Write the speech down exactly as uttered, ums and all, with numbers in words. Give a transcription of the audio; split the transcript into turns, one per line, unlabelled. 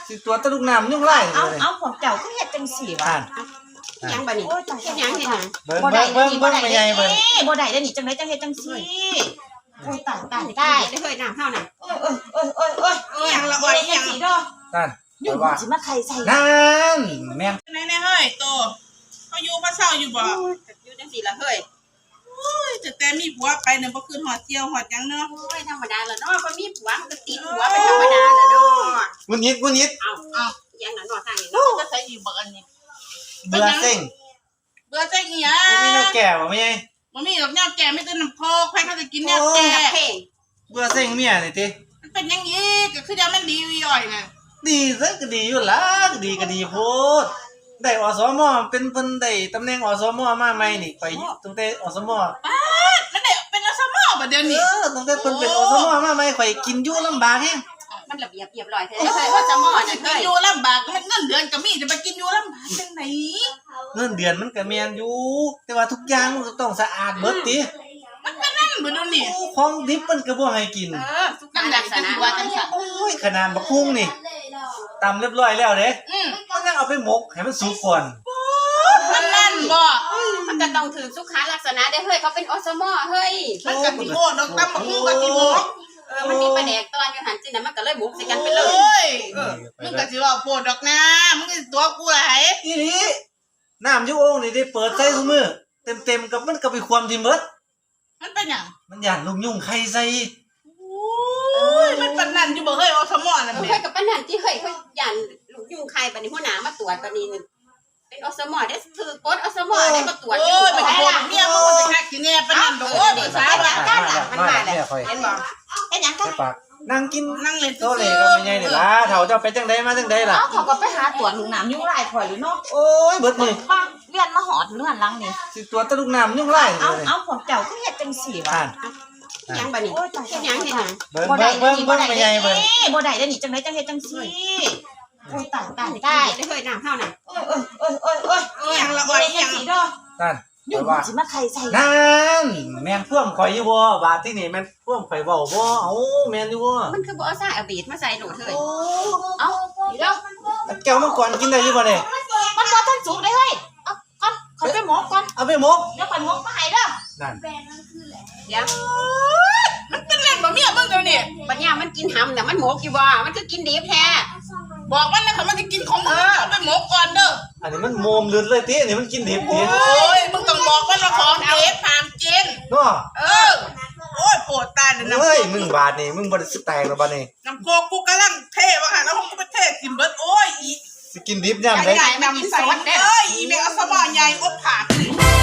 สิตัวตะลุกน้ำยุ่งไล่
เอาเอาของเจ้าก็เฮ็ดจังสี่วะ
ยังบ่นี่เฮ็ดยังเฮ็ดยัง
เบิ่งเบิ่งเบิ่งเบิ่งไม่ใหญ่เบิ่ง
บ่ได้เด้อนี่จังได๋จังเฮ็ดจังสี่โอ้ยตายตายตาย
ได้เคยน้ำเฮาน่ะ
โอ้ยโอ้ยโอ้ยโอ้ยโอ้ยยังละอ้อยยังสิดอก
นั่น
ยุ่งสิมาใครใส่
นั่นแม่น
ไหนๆเฮ้ยโตเขาอยู่พระเศร้าอยู่บ่
อยู่จังซี่ล่ะเฮ้ย
โอ้ยจะแต่มีผัวไปเนี่ยบ่คืนหอดเที่ยวหอดหยังเนาะ
โอ้ยธรรมดาล่ะเนาะบ่มีผัวมันก็ติดผัวเป็นธรรมดาล่ะเนาะ
งุนยิดงุนยิด
เอ้าเอ้ายังน่ะเนาะทางนี้เนาะ
จะใส่อยู่บ่อันนี้
เบื่อเซ็ง
เบื่อเซ็งอีหยั
บ่มีแนวแก่บ่แม่ใหญ่
บ่มีดอกแนวแก่ไม่แต่น้ำโคกใครเขาจะกินแนวแก่
เพลง
เบื่อเซ็งเมียนี่ติ
มันเป็นยังอีกก็คือเดี๋ยวมันดีอยู่ย่อยน่ะ
ดีซะก็ดีอยู่ล่ะดีก็ดีโพดได้อสมเป็นเพิ่นได้ตำแหน่งอสมมาใหม่นี่ไปตั้งแต่อสม
ป๊าดแล้วได้เป็นอสมบ่เดี๋ยวนี้
เออตั้งแต่เพิ่นเป็นอสมมาใหม่ข่อยกินอยู่ลำบากแฮง
มันระเบียบเรียบร้อยแท้เฮ้ยว่าจะมอน่ะเฮ้ย
อยู่ลำบากมันเงินเดือนก็มีจะไปกินอยู่ลำบากจังไหน
เงินเดือนมันก็แม่นอยู่แต่ว่าทุกอย่างมันก็ต้องสะอาดเบิดติ
มันเป็นนั่นบ่เดี๋ยวนี้
ของดิบมันก็บ่ให้กิน
เออสุขลักษณะว่าจังซั่น
โอ้ยขนาดบักหุ่งนี่ตำเรียบร้อยแล้วเด้
อืม
มันยังเอาไปหมกให้มันสุกก่อน
มันนั่นบ่
มันก็ต้องถือสุขลักษณะได้เฮ้ยเขาเป็นอสมเฮ้ย
มันก็สิโหดดอกตำบักหุ่งก็สิหมก
เออมันมีประแดกตอนอยู่หันจิน่ะมันก็เลยบุกใส่กันไปเลย
โอ้ยมึงก็สิว่าโพดดอกนะมึงก็สิตัวกูหลาย
อีหลีน้ำอยู่โอ่งนี่ได้เปิดใส่ซุมื้อเต็มๆกับมันก็ไปความที่หมด
มันเป็นหยัง
มันย่านลูกยุ่งไข่ใส่
โอ้ยมันปานนั้นอยู่บ่เฮ้ยอสมนั่นแหละ
เฮ้ยกับปานนั้นที่เฮ้ยเขาย่านลูกยุงใครบัดนี้หัวหน้ามาตรวจบัดนี้เป็นอสมได้ถือกดอสมได้มาตรวจ
โอ้ยมันโหดเมียมึงมันสิคักสิแน่ปานนั้นดอกโอ้ยภาษาว่า
มันมาแล้วเห็นบ่
เฮ็ดหยังกัน
ปากนั่งกิน
นั่งเล่น
โซเลก็ไม่ใหญ่นี่ล่ะเฒ่าเจ้าไปจังได๋มาจังได๋ล่ะ
เอาเขาก็ไปหาตรวจลูกน้ำยุ่งไล่ข่อยอยู่เนาะ
โอ้ยเบิดมื้อ
บ้างเวียนมาหอดเลื่อนหลังนี่
สิตัวตะลุกน้ำยุ่งไล่
เอาเอาของเจ้าก็เฮ็ดจังสี่วะ
ยังบ่นี่เฮ็ดยังเฮ็ดยัง
เบิ่งเบิ่งเบิ่งเบิ่งไม่ใหญ่เบิ่ง
บ่ได้เด้อนี่จังได๋จังเฮ็ดจังสี่โอ้ยตายตายตาย
ได้เคยน้ำเฮาน่ะ
โอ้ยโอ้ยโอ้ยโอ้ยโอ้ย
ยังละอ้อยยัง
สิดอก
นั่น
ยุ่งสิมาใครใส่
นั่นแม่นพ่วมข่อยอยู่บ่บาดที่นี่แม่นพ่วมข่อยเว้าบ่เอ้าแม่นอยู่บ่
มันคือบ่เอาซ่าเอาบีดมาใส่โหลดเฮ้ย
เอ้าเดี๋ยว
แก้วมังกรกินได้อยู่บ่เนี่ย
มันบ่ทันสุกเด้เฮ้ยเอาก่อนขอไปหมกก่อน
เอาไปหมก
เดี๋ยวข่อยหมกมาให้เด้อ
นั่น
เดี๋ยว
มันเป็นเล่นบ่เมียมึงเดี๋ยวนี้
ปัญญามันกินหำน่ะมันหมกอยู่บ่มันคือกินดิบแท้
บอกมันนะถ้ามันจะกินของมึงเอาไปหมกก่อนเด้อ
อันนี้มันโมมลืดเลยติอันนี้มันกินดิบติ
โอ้ยมึงต้องบอกว่าเราของเอฟพามกิน
เนาะ
เออโอ้ยโปรดตายเลยนะ
เฮ้ยมึงบาดนี่มึงบ่ได้สิแตกแล้วบาดนี่
น้ำโคกูกำลังเทว่าค่ะแล้วกูไปเทกินเบิดโอ้ยอี
สิกินดิบยามใด
น้ำใส่เอ้ยอีแม่เอาสมอใหญ่อบผ่า